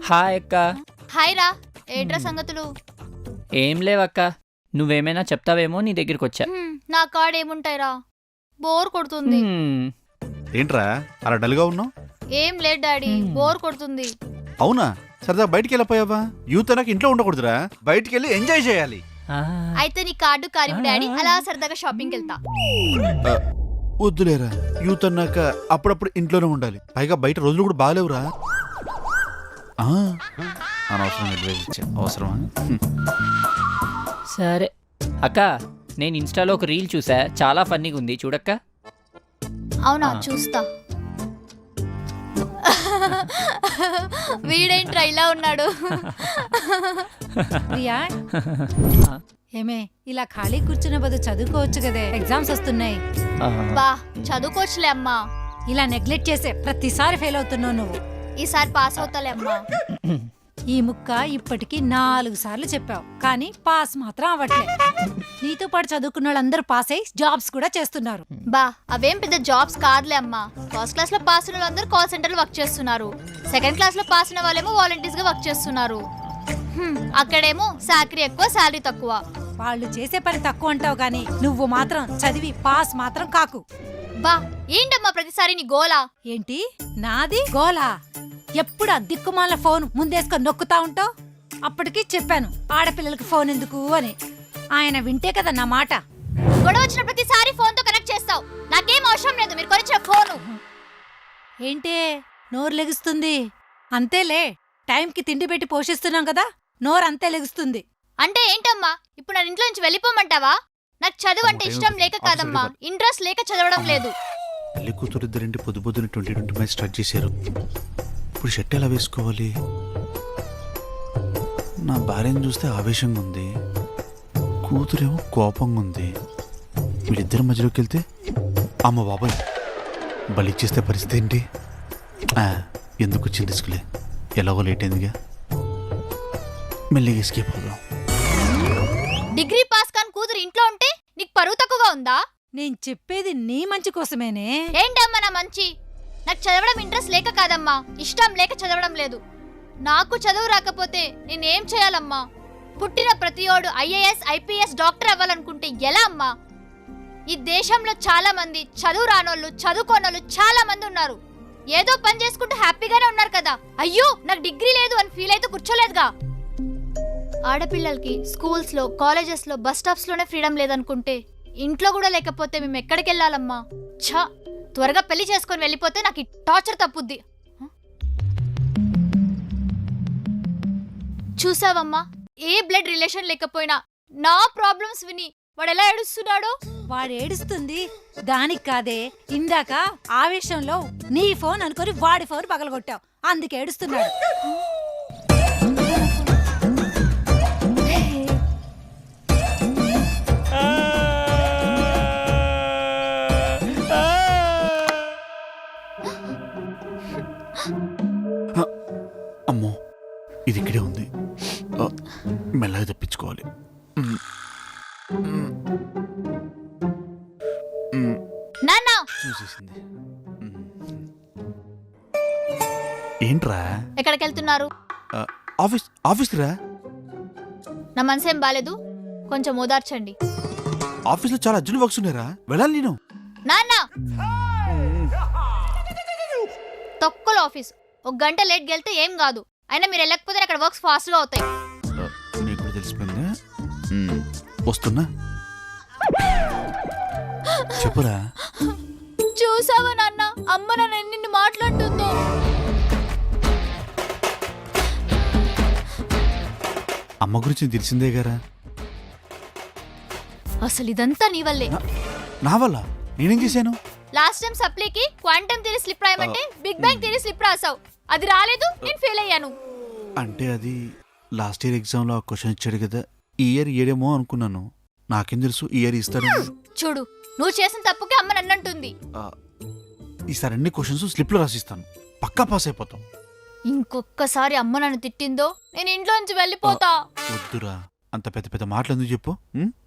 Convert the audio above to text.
Hi అక్క. Hi రా. ఏట్రా సంగతులు? ఏం లేవక్క, నువ్వేమైనా చెప్తావేమో నీ దగ్గరికి వచ్చా. నా కాడ ఏముంటాయిరా, బోర్ కొడుతుంది. ఏంట్రా అలా డల్గా ఉన్నావు? ఏం లేదు డాడీ, బోర్ కొడుతుంది. అవునా, సరదా బయటికి వెళ్ళిపోయావా? యూత్ అనక ఇంట్లో ఉండకూడదురా, బయటికి వెళ్ళి ఎంజాయ్ చేయాలి. అయితే నీ కార్డు కారివు డాడీ, అలా సరదాగా షాపింగ్కి వెళ్తా. వద్దులేరా, యూత్ అన్నాక అప్పుడప్పుడు ఇంట్లోనే ఉండాలి. పైగా బయట రోజులు కూడా బాగాలేవురా. అనవసరం అడ్వైజ్ ఇచ్చా, అవసరమా? సరే అక్క, నేను ఇన్స్టాలో ఒక రీల్ చూసా, చాలా ఫన్నీగా ఉంది, చూడక్క. అవునా, చూస్తా. వీడేంట్రా ఇలా ఉన్నాడు? ప్రియా, ఏమే ఇలా ఖాళీ కూర్చున్న బదులు చదువుకోవచ్చు కదే, ఎగ్జామ్స్ వస్తున్నాయి. బా చదువుకోవచ్చులే అమ్మా. ఇలా నెగ్లెక్ట్ చేసే ప్రతిసారి ఫెయిల్ అవుతున్నావు నువ్వు. ఈసారి పాస్ అవుతాలే అమ్మా. ఈ ముక్క ఇప్పటికి 4 సార్లు చెప్పావు, కానీ పాస్ మాత్రం అవ్వట్లే. నీతో పాటు చదువుకున్న వాళ్ళందరూ పాస్ అయ్యి జాబ్స్ కూడా చేస్తున్నారు. బా అవేం పెద్ద జాబ్స్ కాదులే అమ్మా. ఫస్ట్ క్లాస్ లో పాస్ అయిన వాళ్ళందరూ కాల్ సెంటర్ లో వర్క్ చేస్తున్నారు. సెకండ్ క్లాస్ లో పాస్ అయిన వాళ్ళేమో వాలంటీర్స్ గా వర్క్ చేస్తున్నారు. అక్కడేమో సాలరీ ఎక్కువ, శాలరీ తక్కువ. వాళ్ళు చేసే పని తక్కువ అంటావు, కానీ నువ్వు మాత్రం చదివి పాస్ మాత్రం కాకు. బా ఏంటమ్మా ప్రతిసారి నీ గోలా? ఏంటి నాది గోలా? ఎప్పుడు ఆ దిక్కుమాల ఫోన్ ముందేసుకొని నొక్కుతా ఉంటావు. అప్పటికి చెప్పాను ఆడపిల్లలకి ఫోన్ ఎందుకు అని. ఆయన వింటే కదా నా మాట. గొడవ వచ్చిన ప్రతిసారి ఫోన్ తో కనెక్ట్ చేస్తావు. నాకేం అవసరం లేదు మీరు కొనిచ్చిన ఫోను. ఏంటే నోరు లెగుస్తుంది? అంతేలే, టైంకి తిండి పెట్టి పోషిస్తున్నాం కదా, నోరు అంతే లెగుస్తుంది. అంటే ఏంటమ్మా, ఇప్పుడు నా ఇంట్లో నుంచి వెళ్ళిపోమంటావా? నాకు చదువు అంటే ఇష్టం లేక కాదమ్మా, ఇంట్రెస్ట్ లేక చదవడం లేదు. పెళ్లి కూతురు ఇద్దరింటి పొద్దు పొద్దున 2025 స్టార్ట్ చేశారు. ఇప్పుడు షర్ట్ ఎలా వేసుకోవాలి? నా భార్యను చూస్తే ఆవేశంగా ఉంది, కూతురేమో కోపంగా ఉంది. వీళ్ళిద్దరి మధ్యలోకి వెళ్తే అమ్మ బాబాయ్ బలిచ్చేస్తే పరిస్థితి ఏంటి? ఎందుకు వచ్చింది రిస్కులే, ఎలాగో లేట్ అయిందిగా, మెల్లిగా ఎస్కేప్ అవుదాం. డిగ్రీ పాస్ కాని కూతురు ఇంట్లో ఉంటే నీకు పరువు తక్కువగా ఉందా? నేను చెప్పేది నీ మంచి కోసమేనే. ఏంటమ్మా నా మంచి? నాకు చదవడం ఇంట్రెస్ట్ లేక కాదమ్మా, ఇష్టం లేక చదవడం లేదు. నాకు చదువు రాకపోతే నేనేం చేయాలమ్మా? పుట్టిన ప్రతియోడు ఐఏఎస్, ఐపీఎస్, డాక్టర్ అవ్వాలనుకుంటే ఎలా అమ్మా? ఈ దేశంలో చాలా మంది చదువు రానోళ్ళు, చదువుకోనోళ్ళు చాలా మంది ఉన్నారు. ఏదో పని చేసుకుంటూ హ్యాపీగానే ఉన్నారు కదా. అయ్యో నాకు డిగ్రీ లేదు అని ఫీల్ అయితే కూర్చోలేదుగా. ఆడపిల్లలకి స్కూల్స్ లో, కాలేజెస్ లో, బస్ స్టాప్స్ లోనే ఫ్రీడమ్ లేదనుకుంటే ఇంట్లో కూడా లేకపోతే మేము ఎక్కడికి వెళ్ళాలమ్మా? ఛా, త్వరగా పెళ్లి చేసుకొని వెళ్ళిపోతే నాకు ఈ టార్చర్ తప్పుద్ది. చూసావమ్మా, ఏ బ్లడ్ రిలేషన్ లేకపోయినా నా ప్రాబ్లమ్స్ విని వాడు ఎలా ఏడుస్తున్నాడో. వాడు ఏడుస్తుంది దానికి కాదే, ఇందాక ఆవేశంలో నీ ఫోన్ అనుకొని వాడి ఫోన్ పగలగొట్టావు, అందుకే ఏడుస్తున్నాడు. అమ్మో, ఇది ఇక్కడే ఉంది, మెల్లగా తప్పించుకోవాలి. నాన్న చూసేసింది. ఏంట్రా? ఎక్కడికి వెళ్తున్నారు? ఆఫీస్ రా. నా మనసేం బాలేదు, కొంచెం ఓదార్చండి. ఆఫీస్లో చాలా అర్జెంట్ వర్క్స్ ఉన్నారా, వెళ్ళాలి నేను. నాన్న తొక్కల ఆఫీస్, 1 గంట లేట్ వెళ్తే ఏం కాదు. అయినా మీరు వెళ్ళకపోతే అక్కడ వర్క్స్ ఫాస్ట్ గా అవుతాయి. నీకు కూడా తెలిసిపోయిందా? వస్తున్నా, చెప్పురా. చూసావా నాన్న, అమ్మ నన్ను ఎన్ని మాట్లాడుతుందో. అమ్మ గురించి తెలిసిందే గారా. అసలు ఇదంతా నీ వల్లే. నా వల్ల? నేనేం చేశాను? లాస్ట్ టైం సప్లీకి క్వాంటమ్ థియరీ స్లిప్ రాయమంటే బిగ్ బ్యాంగ్ థియరీ స్లిప్ రాసావు. అది రాలేదు, నేను ఫెయిల్ అయ్యాను. అంటే అది లాస్ట్ ఇయర్ ఎగ్జామ్లో ఆ క్వశ్చన్ ఇచ్చాడు కదా, ఈ ఇయర్ ఇయ్యడేమో అనుకున్నాను. నాకేం తెలుసు ఈ ఇయర్ ఇస్తాను. చూడు, నువ్వు చేసిన తప్పుకి అమ్మ నన్నంటుంది. ఈసారి అన్ని క్వశ్చన్స్ స్లిప్లో రాసిస్తాను, పక్కా పాస్ అయిపోతాం. ఇంకొక్కసారి అమ్మ నన్ను తిట్టిందో నేను ఇంట్లో నుంచి వెళ్ళిపోతా. వద్దురా, అంత పెద్ద పెద్ద మాటలు ఎందుకు చెప్పు.